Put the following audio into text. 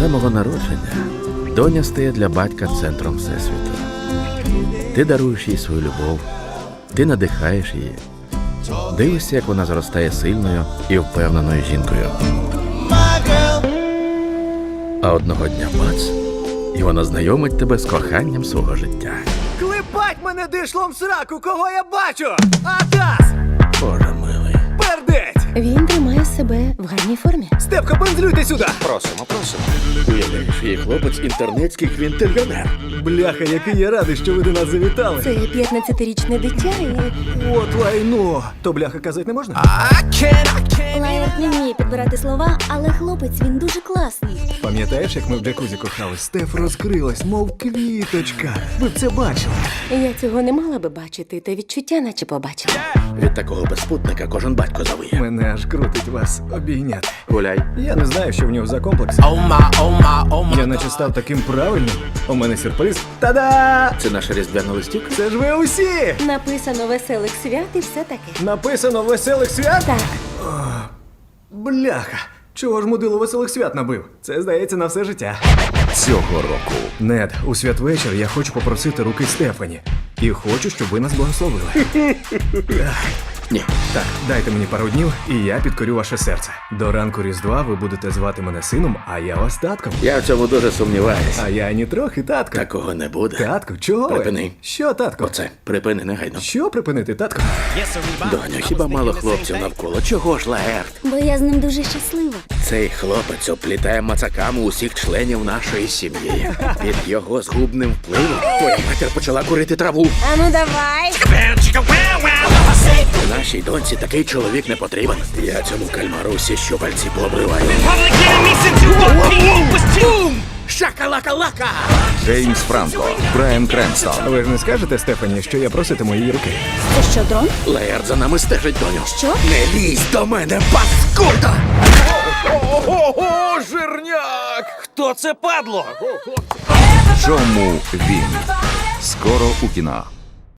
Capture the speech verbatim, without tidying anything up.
самого народження доня стає для батька центром всесвіту. Ти даруєш їй свою любов, ти надихаєш її, дивишся, як вона зростає сильною і впевненою жінкою. А одного дня бац, і вона знайомить тебе з коханням свого життя. Клепать мене дишлом в сраку, кого я бачу! Атас! Боже милий. Пердеть! Він тримає себе в гарній формі. Степка, пензлюйте сюди! Просимо, просимо. Уявляєш, її хлопець інтернетський квінтильйонер. Бляха, який я радий, що ви до нас завітали. Це п'ятнадцятирічне дитя і... От лайно. То бляха казати не можна? Лайерт не вміє підбирати слова, але хлопець, він дуже класний. Пам'ятаєш, як ми в джакузі кохались? Стеф розкрилась, мов квіточка. Ви б це бачили. Я цього не мала би бачити, та відчуття наче побачила. Від такого безпутника кожен батько завиє. Мене аж крутить вас обійняти. Гуляй. Я не знаю, що в нього за комплекс. Oh my, oh my, oh my. Я наче став таким правильним. У мене сюрприз. Та-да! Це наша різдвяна листівка? Це ж ви усі! Написано веселих свят і все таке. Написано веселих свят? Так, Бляха! Чого ж мудило веселих свят набив? Це, здається, на все життя. Цього року. Нед, у святвечір я хочу попросити руки Стефані. І хочу, щоб ви нас благословили. Ні. Так, дайте мені пару днів, і я підкорю ваше серце. До ранку Різдва ви будете звати мене сином, а я вас татком. Я в цьому дуже сумніваюся. А я ні трохи татко. Такого не буде. Татко, чого ви? Припини. Що, татко? Оце, припини негайно. Що припинити, татко? Доню, хіба мало хлопців навколо? Чого ж, Лаерт? бо я з ним дуже щаслива. Цей хлопець оплітає мацаками усіх членів нашої сім'ї. Під його згубним впливом твоя матір почала курити траву. А ну давай! Нашій доньці такий чоловік не потрібен. Я цьому кальмару всі щупальці пообриваю. Шакалака-лака! Джеймс Франко, Брайан Кренстон. Ви ж не скажете Стефані, що я проситиму її руки? Це що, дрон? Лаерт за нами стежить, доню. Що? Не лізь до мене, паскуда! Ого, жирняк! Хто це падло? Чому він? Скоро у кіно.